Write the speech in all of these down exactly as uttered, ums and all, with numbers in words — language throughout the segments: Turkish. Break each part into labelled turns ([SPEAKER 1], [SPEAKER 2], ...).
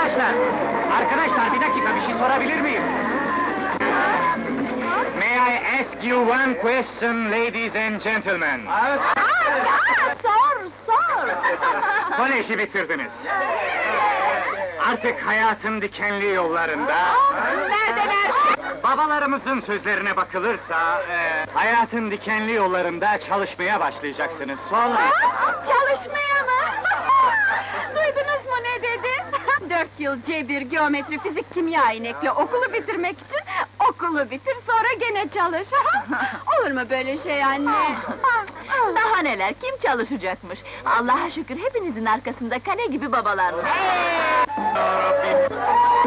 [SPEAKER 1] Arkadaşlar, arkadaşlar bir dakika bir şey sorabilir miyim? May I ask you one question, ladies and gentlemen?
[SPEAKER 2] Aa, sor, sor!
[SPEAKER 1] Koleji bitirdiniz. Artık hayatın dikenli yollarında...
[SPEAKER 2] Nerede, nerede?
[SPEAKER 1] Babalarımızın sözlerine bakılırsa... E, hayatın dikenli yollarında çalışmaya başlayacaksınız. Sonra...
[SPEAKER 2] Çalışmaya mı? Duydunuz mu ne dedi? Dört yıl cebir, geometri, fizik, kimya inekle okulu bitirmek için... Okulu bitir, sonra gene çalış. Olur mu böyle şey anne?
[SPEAKER 3] Daha neler, kim çalışacakmış? Allah'a şükür hepinizin arkasında kale gibi babalar var.
[SPEAKER 1] Yarabbim!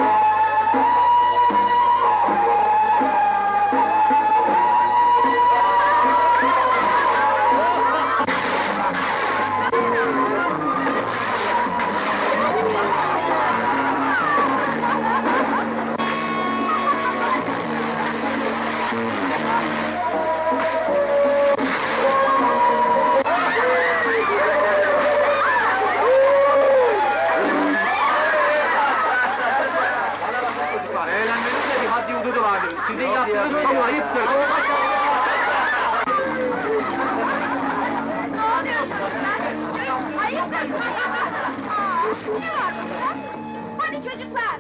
[SPEAKER 1] Eğlenmenin de bir haddi hududu vardır. Sizin yaptığınız çok ayıptır.
[SPEAKER 2] Ne oluyor çocuklar? Hayırdır? Aa, ne var burada? Hadi çocuklar!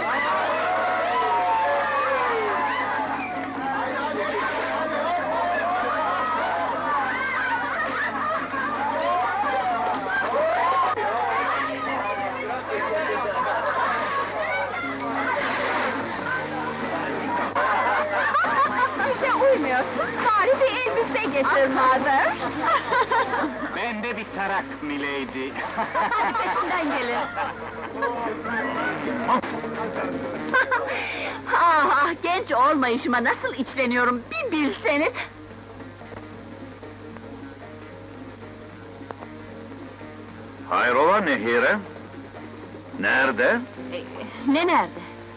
[SPEAKER 2] Bize uymuyorsun, bari bir elbise getir mother!
[SPEAKER 1] Ben de bir tarak milady.
[SPEAKER 3] Hadi peşinden gelin. ah, ah, genç olmayışıma nasıl içleniyorum, bir bilseniz!
[SPEAKER 4] Hayrola Nehire? Nerede?
[SPEAKER 3] Ee, ne nerede?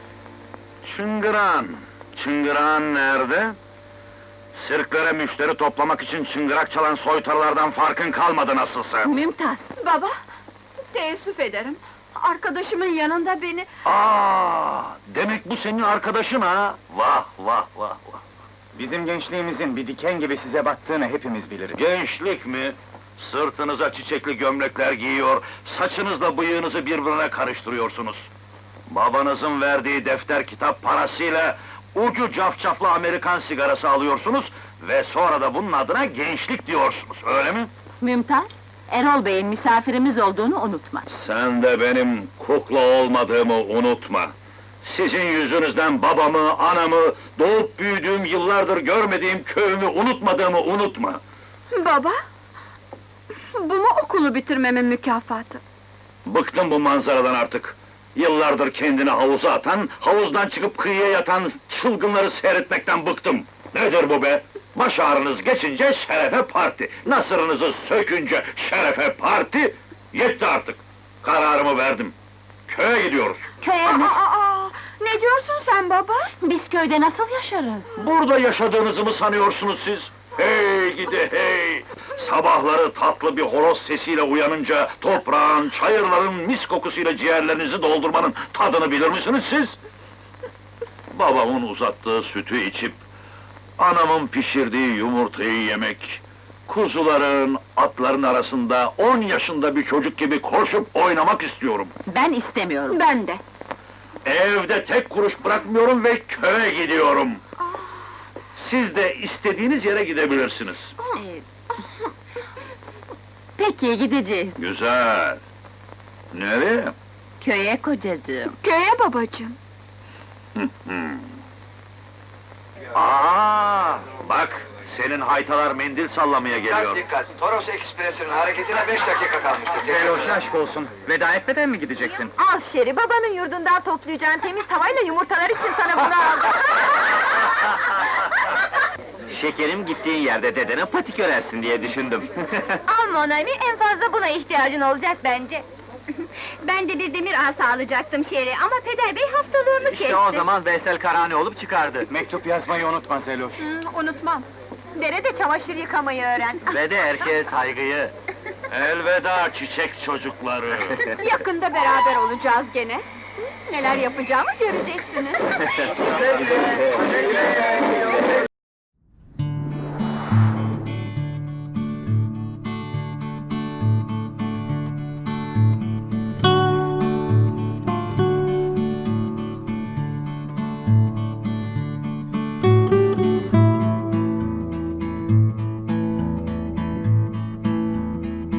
[SPEAKER 4] Çıngıran. Çıngıran nerede? Sirklere müşteri toplamak için çıngırak çalan soytarılardan farkın kalmadı nasılsa.
[SPEAKER 3] Mümtaz!
[SPEAKER 2] Baba, teessüf ederim. Arkadaşımın yanında beni...
[SPEAKER 4] Aa, demek bu senin arkadaşın ha? Vah vah vah vah!
[SPEAKER 1] Bizim gençliğimizin bir diken gibi size battığını hepimiz biliriz.
[SPEAKER 4] Gençlik mi? Sırtınıza çiçekli gömlekler giyiyor, saçınızla bıyığınızı birbirine karıştırıyorsunuz. Babanızın verdiği defter kitap parasıyla ucu cafcaflı Amerikan sigarası alıyorsunuz ve sonra da bunun adına gençlik diyorsunuz, öyle mi?
[SPEAKER 3] Mümtaz, Erol Bey'in misafirimiz olduğunu unutma.
[SPEAKER 4] Sen de benim kukla olmadığımı unutma. Sizin yüzünüzden babamı, anamı, doğup büyüdüğüm, yıllardır görmediğim köyümü unutmadığımı unutma.
[SPEAKER 2] Baba, bu mu okulu bitirmemin mükafatı?
[SPEAKER 4] Bıktım bu manzaradan artık. Yıllardır kendini havuza atan, havuzdan çıkıp kıyıya yatan çılgınları seyretmekten bıktım. Nedir bu be? Baş ağrınız geçince şerefe parti, nasırınızı sökünce şerefe parti, yetti artık. Kararımı verdim. Köye gidiyoruz.
[SPEAKER 3] Köye mi?
[SPEAKER 2] Aa, aa, ne diyorsun sen baba?
[SPEAKER 3] Biz köyde nasıl yaşarız?
[SPEAKER 4] Burada yaşadığınızı mı sanıyorsunuz siz? Hey gidi hey! Sabahları tatlı bir horoz sesiyle uyanınca toprağın, çayırların mis kokusuyla ciğerlerinizi doldurmanın tadını bilir misiniz siz? Babamın uzattığı sütü içip, anamın pişirdiği yumurtayı yemek, kuzuların, atların arasında on yaşında bir çocuk gibi koşup oynamak istiyorum.
[SPEAKER 3] Ben istemiyorum.
[SPEAKER 2] Ben de.
[SPEAKER 4] Evde tek kuruş bırakmıyorum ve köye gidiyorum. Siz de istediğiniz yere gidebilirsiniz.
[SPEAKER 3] Ee, Peki, gideceğiz.
[SPEAKER 4] Güzel. Nereye?
[SPEAKER 3] Köye kocacığım.
[SPEAKER 2] Köye babacığım.
[SPEAKER 4] Aa, bak, senin haytalar mendil sallamaya geliyor.
[SPEAKER 5] Dikkat dikkat! Toros Ekspresi'nin hareketine beş dakika kalmıştır.
[SPEAKER 1] Zeloş aşk olsun. Veda etmeden mi gidecektin?
[SPEAKER 2] Al Şeri, babanın yurdundan toplayacağın temiz havayla yumurtalar için sana bunu aldım.
[SPEAKER 1] Şekerim gittiğin yerde dedene patik örersin diye düşündüm.
[SPEAKER 2] Al Monami, en fazla buna ihtiyacın olacak bence. Ben de bir demir asa alacaktım Şeri ama Peder Bey haftalığını kesti.
[SPEAKER 1] İşte o zaman Veysel Karani olup çıkardı. Mektup yazmayı unutma Zeloş.
[SPEAKER 2] Hmm, unutmam. Derede çamaşır yıkamayı öğren.
[SPEAKER 1] Ve de erkeğe saygıyı.
[SPEAKER 4] Elveda çiçek çocukları.
[SPEAKER 2] Yakında beraber olacağız gene. Neler yapacağımı göreceksiniz.